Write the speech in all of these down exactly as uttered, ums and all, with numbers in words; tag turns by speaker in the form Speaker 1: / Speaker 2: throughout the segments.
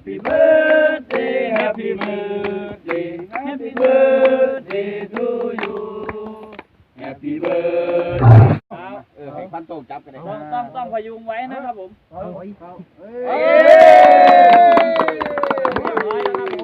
Speaker 1: Happy birthday Happy birthday Happy birthday to you Happy birthday เออให้พันโตจับกันเลยต้องต้องต้องพยุงไว้นะครับผมเอาเอาเอ้ยเรียบร้อยแล้วครับผม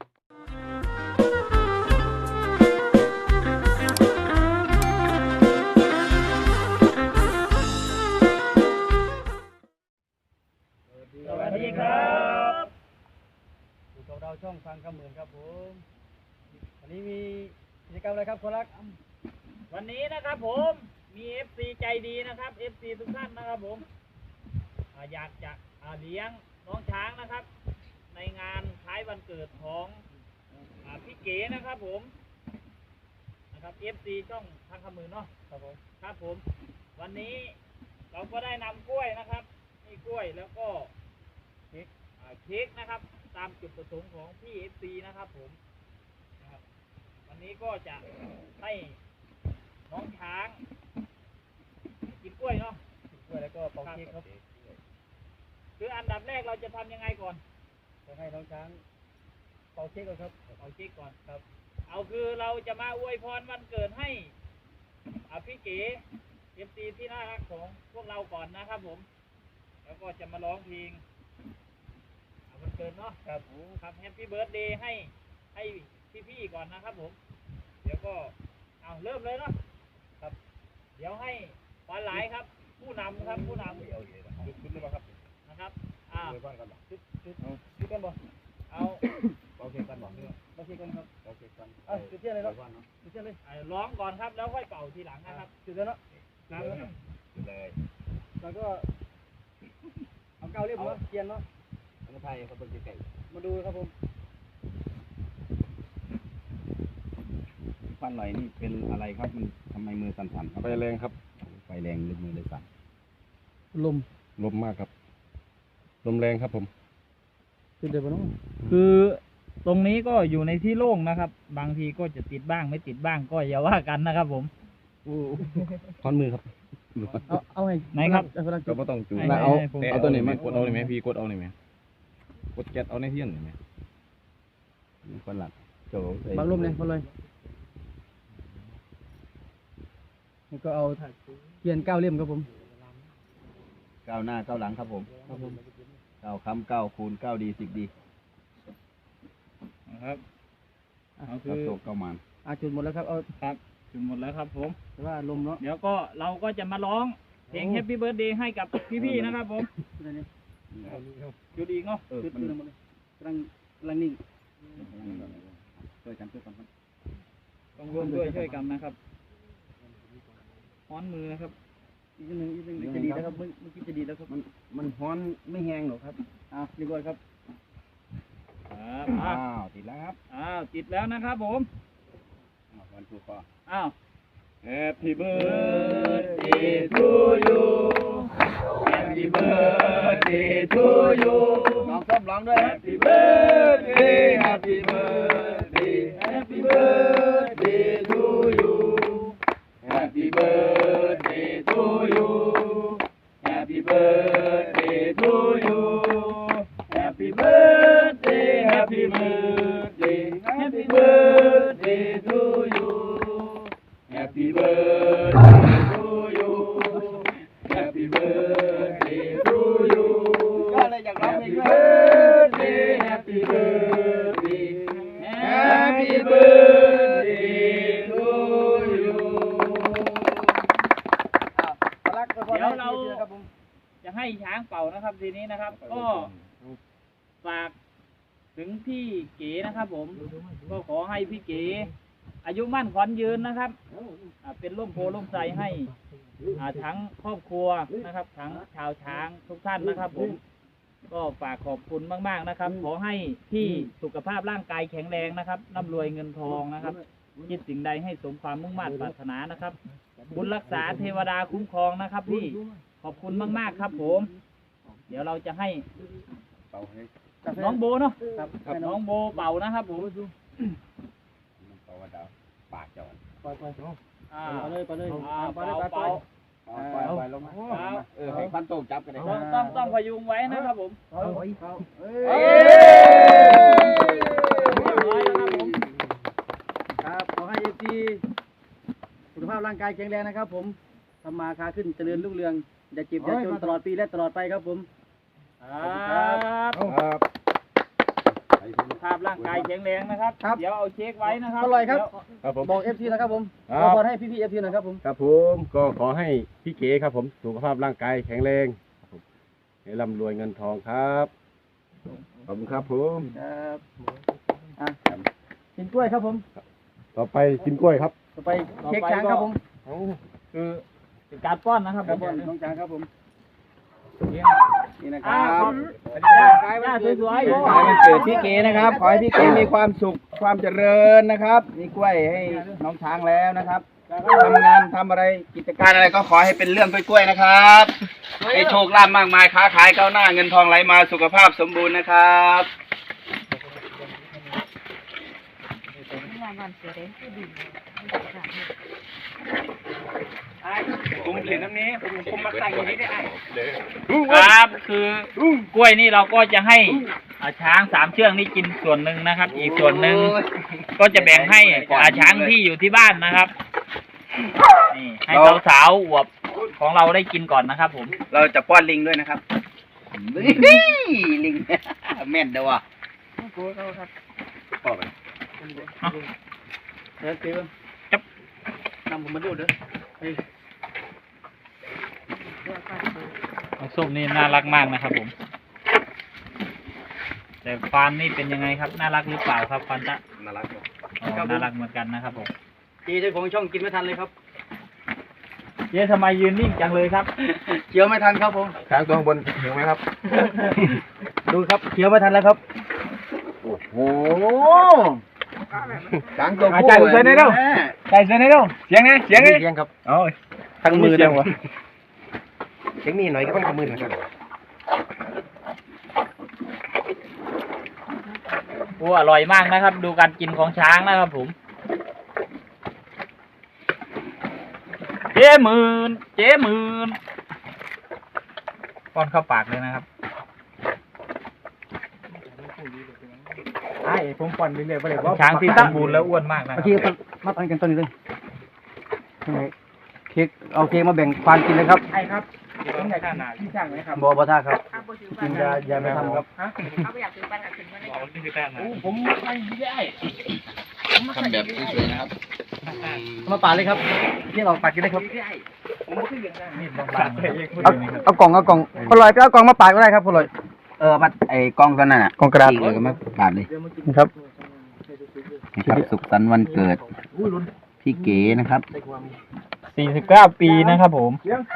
Speaker 1: สวัสดีครับอยู่กับเราช่องฟังคำหมื่นครับผมวันนี้มีกิจกรรมอะไรครับคนรักวันนี้นะครับผมมี เอฟ ซี ใจดีนะครับ เอฟ ซี ทุกท่านนะครับผมอยากจะเลี้ยงน้องช้างนะครับในงานคล้ายวันเกิดของพี่เก๋นะครับผมนะครับ เอฟ ซี ช่องฟังคำหมื่นเนาะครับผมครับผมวันนี้เราก็ได้นำกล้วยนะครับนี่กล้วยแล้วก็เค้กเค้กนะครับตามจุดประสงค์ของพี่ เอฟ ซี นะครับผมนะครับวันนี้ก็จะให้น้องช้างกินกล้วยเนาะกินกล้วยแล้วก็เป่าเค้กครับคืออันดับแรกเราจะทำยังไงก่อนจะให้น้องช้างเป่าเค้กก่อนครับเป่าเค้กก่อนครับเอาคือเราจะมาอวยพรวันเกิดให้พี่เก๋ เอฟ ซี ที่น่ารักของพวกเราก่อนนะครับผมแล้วก็จะมาร้องเพลงวันเกิดเนาะครับครับแฮปปี้เบิร์ธเดย์ให้ให้พี่ๆก่อนนะครับผมเดี๋ยวก็เอาเริ่มเลยเนาะครับเดี๋ยวให้ปลาไหลครับผู้นำครับผู้นำเอาชุดชุดเลยครับนะครับอ่าชุดชุดชุดกันบ่เอาโอเคกันบ่โอเคกันครับโอเคกันอ่ะชุดเที่ยเลยเนาะชุดเที่ยเลยร้องก่อนครับแล้วค่อยเป่าทีหลังนะครับชุดเลยเนาะครับเลยแล้วก็เอาเก้าเรียบร้อยเทียนเนาะมาไทยเขาเป็นไก่มาดูครับผมฟันหน่อยนี่เป็นอะไรครับมันทำไมมือสั่นๆครับไฟแรงครับไฟแรงมือเลยสั่นลมลมมากครับลมแรงครับผมติดเดี๋ยวน้องคือตรงนี้ก็อยู่ในที่โล่งนะครับบางทีก็จะติดบ้างไม่ติดบ้างก็อย่าว่ากันนะครับผมท่อนมือครับเอาเอาไงไหนครับก็ไม่ต้องจูเอาเอาตัวไหนมากดเอาหน่อยไหมพี่กดเอาหน่อยไหมกดแก๊สเอาในเทียนหน่อยไหมคนหลักโจบางรูปเนี่ยคนเลยแล้วก็เอาเทียนเก้าเล่มครับผมเก้าหน้าเก้าหลังครับผมครับผมเก้าคำเก้าคูณเก้าดีสิบดีนะครับเอาคือโตเก้ามันอ่ะจุดหมดแล้วครับเอาครับจุดหมดแล้วครับผมแต่ว่าลมเนาะเดี๋ยวก็เราก็จะมาร้องเพลง Happy Birthday ให้กับพี่ๆนะครับผมจุดอีกเนาะจุดจุดหมดเลยกำลังกำลังนิ่งช่วยกันช่วยกันต้องร่วมด้วยช่วยกันนะครับฮ้อนมือนะครับอีกนึงอีกนึงจะดีแล้วครับเมื่อกี้จะดีแล้วครับมันมันฮ้อนไม่แห้งหรอกครับอ้าวดีกว่าครับครับอ้าวติดแล้วครับอ้าวติดแล้วนะครับผมวันถูกป่ะอ้าว Happy birthday to you Happy birthday to you น้องส้มร้องด้วย Happy birthday Happy birthday Happy birthday to you Happy birthday to you Happy birthday to you Happy birthday Happy birthday Happy birthday to you Happy birthday to you Happy birthday to you ก็เลยอยากร้องเพลง Birthday Happy birthday Happy birthday to you เดี๋ยวเราจะให้ช้างเป่านะครับทีนี้นะครับก็ฝากถึงพี่เก๋นะครับผมก็ขอให้พี่เก๋อายุมั่นขวัญยืนนะครับเป็นร่มโพล่มไทรให้ทั้งครอบครัวนะครับทั้งชาวช้างทุกท่านนะครับผมก็ฝากขอบคุณมากๆนะครับขอให้พี่สุขภาพร่างกายแข็งแรงนะครับร่ำรวยเงินทองนะครับคิดสิ่งใดให้สมความมุ่งมั่นปรารถนานะครับบุญรักษาเทวดาคุ้มครองนะครับพี่ขอบคุณมากๆครับผมเดี๋ยวเราจะให้น้องโบเนาะน้องโบเป่านะครับผมปากจอนปล่อยปล่อยอ่าไปเลยไปเลยอ่าไปเลยไปไปไปไปลงมาเออให้พันโตจับกันเลยต้องต้องต้องพยุงไว้นะครับผมเอาเอาเอ้กายแข็งแรงนะครับผมทำมาค้าขึ้นเจริญรุ่งเรืองอย่าเจ็บอย่าจนตลอดปีและตลอดไปครับผมครับครับสุขภาพร่างกายแข็งแรงนะครับเดี๋ยวเอาเช็คไว้นะครับอร่อยครับครับผมบอกเอฟซีนะครับผมขอพรให้พี่พี่เอฟซีหน่อยครับผม
Speaker 2: ครับผมก็ขอให้พี่เก๋ครับผมสุขภาพร่างกายแข็งแรงให้ร่ำรวยเงินทองครับขอบคุณครับผม
Speaker 1: ครับอ่ะกินกล้วยครับผม
Speaker 2: ต่อไปกินกล้วยครับ
Speaker 1: ต่อไปเค้กช้างครับผม
Speaker 3: คือเป็นการป้อนนะครับ
Speaker 1: การป้อนน้องช้างครับผมนี่นะครับ
Speaker 3: ย่าสวยๆ
Speaker 1: วันเกิดพี่เก๋นะครับขอให้พี่เก๋มีความสุขความเจริญนะครับมีกล้วยให้น้องช้างแล้วนะครับทำงานทำอะไรกิจการอะไรก็ขอให้เป็นเรื่องกล้วยๆนะครับให้โชคลาภมากมายค้าขายก้าวหน้าเงินทองไหลมาสุขภาพสมบูรณ์นะครับผมเห็นน้ำนี้ผมมาใส่อย่างนี้ได้
Speaker 3: ครับคือกล้วยนี่เราก็จะให้ช้างสามเชือกนี่กินส่วนหนึ่งนะครับอีกส่วนหนึ่งก็จะแบ่งให้ช้างที่อยู่ที่บ้านนะครับนี่ให้สาวๆอวบของเราได้กินก่อนนะครับผม
Speaker 1: เราจะป้อนลิงด้วยนะครับลิงแม่นเด้อวะป้อนไปเฮ้ยเตี้ยจับนำผมมาดูเด้อ
Speaker 3: น้องส้มนี่น่ารักมากนะครับผมแต่ฟานนี่เป็นยังไงครับน่ารักหรือเปล่าครับฟานตะ
Speaker 1: น่ารัก
Speaker 3: น่ารักเหมือนกันนะครับผม
Speaker 1: จีเจ้าของช่องกินไม่ทันเลยครับ
Speaker 3: เย้ทำไมยืนนิ่งจังเลยครับ
Speaker 1: เคี้ยวไม่ทันครับผม
Speaker 2: ช้างตัวข้างบนเห็นไหมครับ
Speaker 1: ดูครับเคี้ยวไม่ทันแล้วครับ
Speaker 2: โอ้โห
Speaker 1: ช้างตัว
Speaker 3: ผู้ใส่ใส่ในเร็วใส่ใส่ในเร็วเสียงไงเสียงไง
Speaker 2: เสียงครับ
Speaker 3: โอ้ย
Speaker 1: ทั้งมือเลยวะ
Speaker 2: เสียงมีหน่อยก็ต้องทำมือหน่อย
Speaker 3: โอ้อร่อยมากนะครับดูการกินของช้างนะครับผมเจ๊หมื่นเจ๊หมื่นป้อนเข้าปากเลยนะครับ
Speaker 1: ไอ้ผมป้อนเรื่อยๆไปเลย
Speaker 3: ช้างที่สมบูรณ์แล้วอ้วนมากนะ
Speaker 1: โอเคมาปั้นกันตอนนี้เลยเค้กเอาเค้กมาแบ่งควานกินเลยครับ
Speaker 3: ใช่ครับต้องใหญ่ขนาดที่ช่างไหมครับ
Speaker 1: บอบอท่าครับกินยาอย่าไม่ทำครับ
Speaker 4: เอาไปอยากซื้อปั้นกับถึงวันนี้
Speaker 3: ผมไม่ได้
Speaker 1: ทำแบบสวยๆนะครับมาปาดเลยครับนี่เราปาดกินได้ครับเอาเอากล่องเอากล่องพลอยไปเอากล่องมาปาดก็ได้ครับพลอยเออมาไอ้กล่องตัวนั้นน่ะ
Speaker 2: กล่องกระดาษ
Speaker 1: เลยก็มาปาดเลย
Speaker 2: นะครับ
Speaker 1: นะครับสุขสันต์วันเกิดพี่เก๋นะครับ
Speaker 3: สี่สิบเก้าปีนะครับผม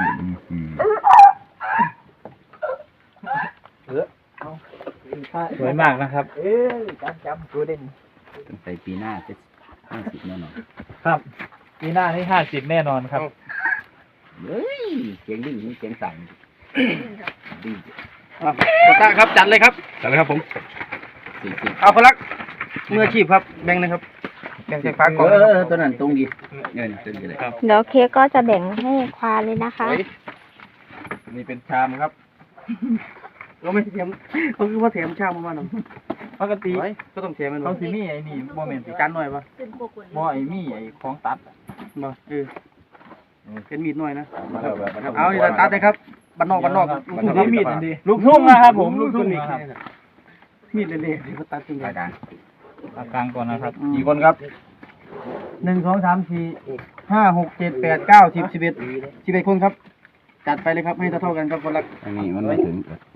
Speaker 3: สวยมากนะครับ
Speaker 1: เอ้ยจำจำตัวเด่นใส่ปีหน้าจะห้าสิบแน่นอน
Speaker 3: ครับปีหน้านี่ห้าสิบแน่นอนครับ
Speaker 1: เฮ้ยเสียงดิ้งเสียงสั่นดิ้งกตาครับจัดเลยครับ
Speaker 2: จัดเลยครับผม
Speaker 1: เอาคนละเมื่อชีพครับแบ่งนะครับแบ่งใส่ฝากล่องเออตัวนั้นตรงดีเงินตัวนี้เลย
Speaker 4: เดี๋ยวเค้กก็จะแบ่งให้ควานเลยนะคะ
Speaker 1: นี่เป็นชามครับเราไม่เทียมเขาคือว่าเทียมชามมาหน่อยปกติก็ต้องเทียมมัน
Speaker 3: เขาสิมีไอ้นี่โมเมนต์
Speaker 1: จานหน่อยปะ
Speaker 3: บ่ไอ้มีไอ้ของตัด
Speaker 1: มาเออเป็นมีดหน่อยนะเอาอีกตัดเลยครับบ้านนอกบ้านนอก
Speaker 3: ลูกทุ่งมีดดีลูกทุ่งนะครับผมลูกทุ่งครับ
Speaker 1: มีดเละๆที่เขาตัดจริงๆ
Speaker 3: กันกลางก่อนนะครับ
Speaker 1: กี่คนครับหนึ่งสองสามสี่ห้าหกเจ็ดแปดเก้าสิบสิบเอ็ดสิบเอ็ดคนครับจัดไปเลยครับให้เท่ากันครับคนละ
Speaker 2: อันนี้มันไม่ถึง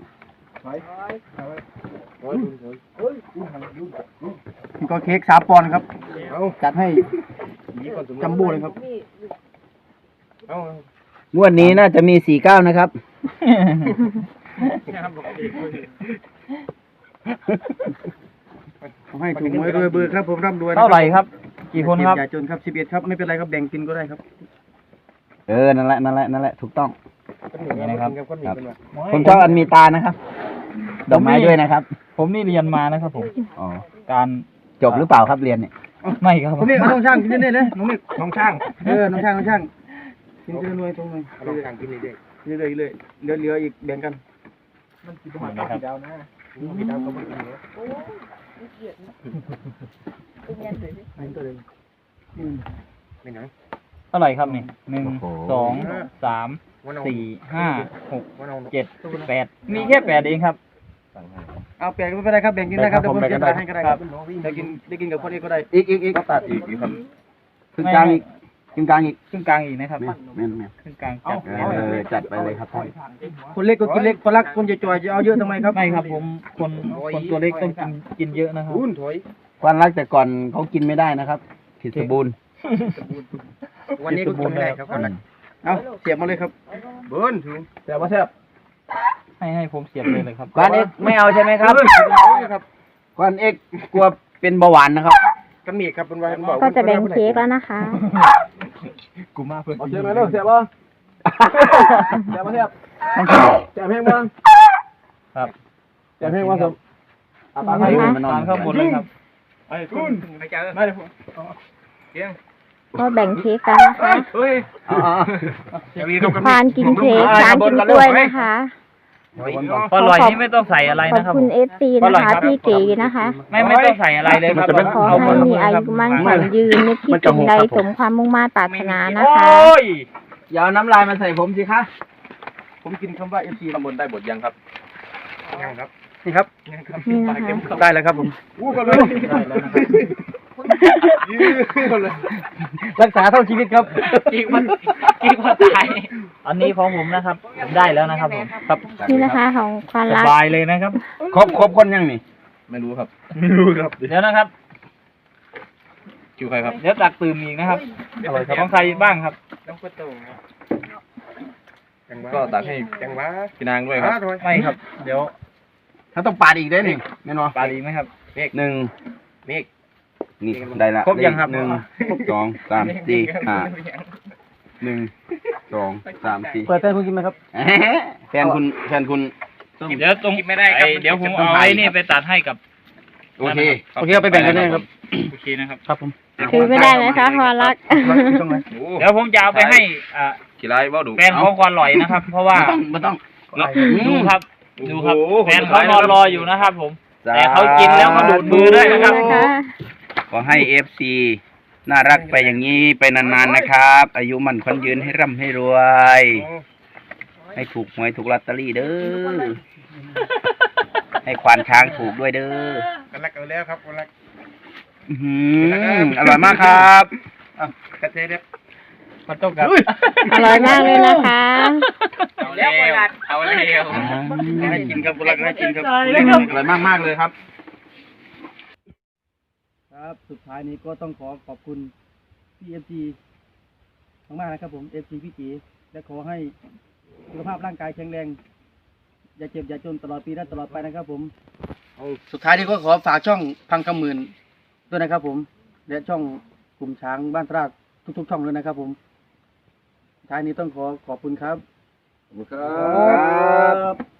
Speaker 1: ก็เค้กสามปอนด์ครับจัดให้จัมโบ้เลยครับงวดนี้น่าจะมีสี่เก้านะครับให้ถูกหวยรวยเบอร์ครับผมร่ำรวย
Speaker 3: เท่าไหร่ครับกี่คนครับ
Speaker 1: อย่าจนครับสิบเอ็ดครับไม่เป็นไรครับแบ่งกินก็ได้ครับ
Speaker 2: เออนั่นแหละนั่นแหละนั่นแหละถูกต้อง
Speaker 3: นี่นะครับ
Speaker 2: ผมชอบอันมีตานะครับดอกไม้ด้วยนะครับ
Speaker 3: ผมนี่เรียนมานะครับผม
Speaker 2: อ๋อ
Speaker 3: การ
Speaker 2: จบหรือเปล่าครับเรียนเนี่ย
Speaker 3: ไม่ครับ
Speaker 1: ผมนี่น้องช่างกินเรื่อยๆเลยน้องนี่น้องช่างเออน้องช่างน้องช่างกินเรื่อยๆตรงนี้น้องช่างกินเรื่อยๆเรื่อยๆเลยเหลือๆอีกแบ่งกันมันกินหัวข้าวดาวนะกินดาวก็ไม่กินเลยโอ้ยเกลียดนะเป็นยันเลยไม่ตัวเลยอืมไม่ไหน
Speaker 3: ท่าไหร่ครับนี่หนึ่งสองสามสี่ห้าหกเจ็ดแปดมีแค่แปดเองครับ
Speaker 1: เอาแปลงไม่เป็นไรครับแบ่งกินได้ครับเดี๋ยวผมเสียบให้ก็ได้ครับได้กินได้กินกับคนนี้ก็ได้อีกอีกอีกตัดอีกอีกครับครึ่งกลางอีกครึ่งกลางอีก
Speaker 3: ครึ่งกลางอีกนะครับ
Speaker 1: แม่นแม่น
Speaker 3: ครึ่งกลางจัด
Speaker 1: เออจัดไปเลยครับคนเล็กก็กินเล็กคนรักคนจะจ่อยจะเอาเยอะทำไมครับ
Speaker 3: ไม่ครับผมคนคนตัวเล็กต้องกินกินเยอะนะครับ
Speaker 1: คนรักแต่ก่อนเขากินไม่ได้นะครับผิดสมบูรณ์วันนี้ก็กินไม่ได้ครับคนรักเอาเสียบมาเลยครับเบิ้ลถูกเสียบมาเสียบ
Speaker 3: ให้ให้ผมเสียบเลยเลยครับ
Speaker 1: กวนเอกไม่เอาใช่ไหมครับกวนเอกกลัวเป็นเบาหวานนะครับกันมีครับเป็นวันบอก
Speaker 4: ก็จะแบ่งเค้กแล้วนะคะ
Speaker 3: กูมาเพื่อน
Speaker 1: เสียบมาเร็วเสียบบ่เสียบมาเสียบเสียบเพลงบ้าง
Speaker 3: ครับ
Speaker 1: เสียบเพลงบ้างครับ
Speaker 4: ตามให้
Speaker 3: ทานข้าวหมดเลยครับ
Speaker 1: ไอ้คุณไปเจอไม่ได้ผมเกี้ยง
Speaker 4: ก็แบ่งเค้กกันนะคะ
Speaker 1: เฮ้ย
Speaker 4: ควานกินเค้กช้างกินกล้วยนะคะ
Speaker 3: พออร่อยนี่ไม่ต้องใส่อะไร
Speaker 4: ขอบ
Speaker 3: นะครับ
Speaker 4: คุณเอฟซีนะคะพี่เก๋นะคะ
Speaker 3: ไม่ไม่ต้องใส่อะไรเลยครับ
Speaker 4: ขอให้มีอายุมั่นขวัญยืนนึกคิดสิ่งใดสมความมุ่งมั่นปรารถนานะคะ
Speaker 3: โอ้ย
Speaker 1: อย่าเอาน้ำลายมาใส่ผมสิคะผมกินคำว่าเอฟซีตำบลได้บทยังครับยังครับนี่ครับ
Speaker 4: นี่นะคะ
Speaker 1: ได้แล้วครับผมอู้กันเลยได้แล้วนะครับรักษาเท่าชีวิตครับ
Speaker 3: กินมันกินมันตายอันนี้ของผมนะครับผมได้แล้วนะครับผมครับ
Speaker 4: นี่นะคะของควาน
Speaker 3: ส
Speaker 4: รัก
Speaker 3: บายเลยนะครับ
Speaker 1: ครบครบคนยังนี่ไม่รู้ครับไม่รู้ครับ
Speaker 3: เดี๋ยวนะครับ
Speaker 1: คิวใครครับ
Speaker 3: เดี๋ยวตักตื่มอีกนะครับอร่อยครับของใครบ้างครับ
Speaker 1: ก็ตักให้จังหวะพี่นางด้วยครับ
Speaker 3: ไม่ครับ เดี๋ยว
Speaker 1: ถ้าต้องปาดอีกได้หนึ่งแน่นอน
Speaker 3: ปลาดีไหมครับ
Speaker 1: หนึ่งเมกนี่ได้ละ
Speaker 3: ครบยังครับ
Speaker 1: หนึ่งสองสามสี่ห้าหนึ่งสองสามสี่เปิดแฟนคุณกินไหมครับแฟนคุณแฟนคุณ
Speaker 3: เดี๋ยวตรงไม่ได้ครับเดี๋ยวผมเอาไอ้นี่ไปตัดให้กับ
Speaker 1: โอเคโอเคเอาไปแบ่งกันเลยครับ
Speaker 3: โอเคนะครับ
Speaker 1: ครับผม
Speaker 4: ถือไม่ได้ไหมคะควานรัก
Speaker 3: เดี๋ยวผมจะเอาไปให้อ่า
Speaker 1: กี่ไรบ้าดู
Speaker 3: แฟนของความอร่อยนะครับ เพราะว่า
Speaker 1: ไม่ต้อง
Speaker 3: ดูครับดูครับ
Speaker 1: โอ้โห
Speaker 3: แฟนเขานอนรออยู่นะครับ ผม แต่เขากินแล้วเขาดูดมือด้วยนะครับ
Speaker 4: นะคะ
Speaker 1: ขอให้เอฟซีน่ารักไปอย่างนี้ไปนานๆนะครับ อายุมันคนยืนให้ร่ำให้รวย ให้ถูกหวยถูกลอตเตอรี่เด้อให้ควานช้างถูกด้วยเด้อ
Speaker 2: กันรักเอาแล้วครับกันรัก
Speaker 1: อื้อหืออร่อยมากครับอ่ะกระเทียมเนี่ย
Speaker 3: มันต้องกับ
Speaker 4: อร่อยมากเลยนะคะ
Speaker 3: เอาแล้วเอาแล้ว
Speaker 1: ให้กินครับคุณรักให้กินครับ
Speaker 3: ได้
Speaker 1: อ
Speaker 3: เลยครับ
Speaker 1: ร่อยมากมากๆเลยครับ ครับสุดท้ายนี้ก็ต้องขอขอบคุณพี่เอฟซีมากๆนะครับผมเอฟซีพี่จีและขอให้สุขภาพร่างกายแข็งแรง อย่าเจ็บอย่าจนตลอดปีและตลอดไปนะครับผมสุดท้ายนี้ก็ขอฝากช่องพังคำหมื่นด้วยนะครับผมและช่องกลุ่มช้างบ้านตราดทุกๆช่องเลยนะครับผมสุดท้ายนี้ต้องขอขอบคุณครับขอบคุณครับ